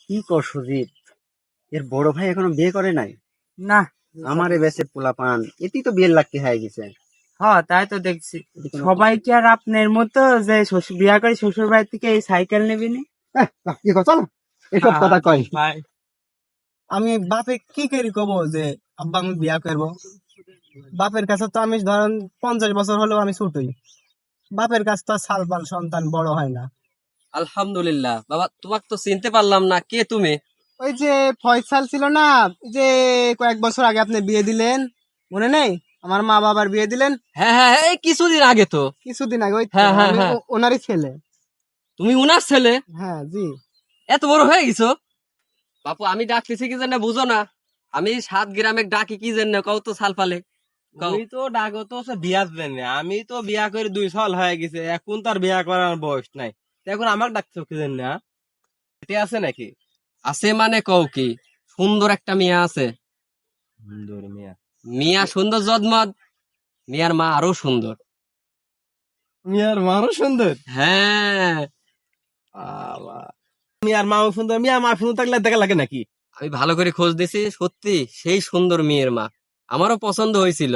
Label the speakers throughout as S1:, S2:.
S1: কি কর সুজিত, এর বড় ভাই এখনো বিয়ে করে নাই?
S2: না।
S1: আমারে বেশে পোলা পান এটি তো বিয়ের লাগতে হয়ে গেছে।
S2: হ্যাঁ, তাই তো দেখছি।
S1: এটি কোনো
S2: সবাই কি আর আপনার মতো যে বিয়া করে শ্বশুর বাড়ি থেকে এই সাইকেল নেবে নি?
S1: কি কথা, চলো এসব কথা কই।
S2: ভাই,
S3: আমি বাপে কি করি কব যে আব্বা আমি বিয়া করবো? বাপের কাছে তো আমি ধরেন 50 বছর হলেও আমি ছুটই। বাপের কাছে তো সাল পাল সন্তান বড় হয় না।
S4: আলহামদুলিল্লাহ বাবা, তোমাকে তো চিনতে পারলাম না, কে তুমি?
S3: ওই যে ফয়সাল ছিল না, ওই যে কয়েক বছর আগে আপনি বিয়ে দিলেন, মনে নেই? আমার মা বাবার বিয়ে দিলেন
S4: হ্যাঁ হ্যাঁ হ্যাঁ, এই কিছুদিন আগে তো।
S3: কিছুদিন আগে। ওই তো
S4: হ্যাঁ হ্যাঁ
S3: আমি
S4: হ্যাঁ,
S3: ওনারই ছেলে।
S4: তুমি উনার ছেলে?
S3: হ্যাঁ জি।
S4: এত বড় হয়ে গেছো? বাপু, আমি ডাকতেছি কি জন্য বুঝো না? আমি 7 গ্রামে ডাকি কি জন্য কও তো? সাল পালে কও।
S5: তুই তো ডাকো তো সে বিয়ার জন্য, আমি তো বিয়া করে 2 সাল হয়ে গেছে, এখন তার বিয়া করার বয়স নাই। তো এখন আমাকে ডাকছো কি জন্য? এটি আছে নাকি?
S4: আছে মানে কও কি? সুন্দর একটা মেয়ে আছে।
S5: সুন্দর মিয়া?
S4: মিয়া সুন্দর জদমদ, মিয়ার মা আরো সুন্দর।
S5: মিয়ার মারও সুন্দর?
S4: হ্যাঁ,
S5: আল্লাহ, মিয়ার মাও সুন্দর, মিয়ার মা সুন্দর থাকলে দেখা লাগে নাকি?
S4: আমি ভালো করে খোঁজ দিছি, সত্যি সেই সুন্দর মেয়ের মা। আমারও পছন্দ হয়েছিল।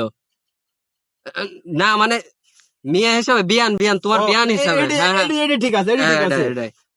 S4: না মানে, মিয়া হিসাবে, বিয়ান বিয়ান, তোমার
S5: ও,
S4: বিয়ান হিসাবে। হ্যাঁ হ্যাঁ,
S5: এটি ঠিক আছে, এটি ঠিক
S4: এটাই
S5: আছে।
S4: এটাই।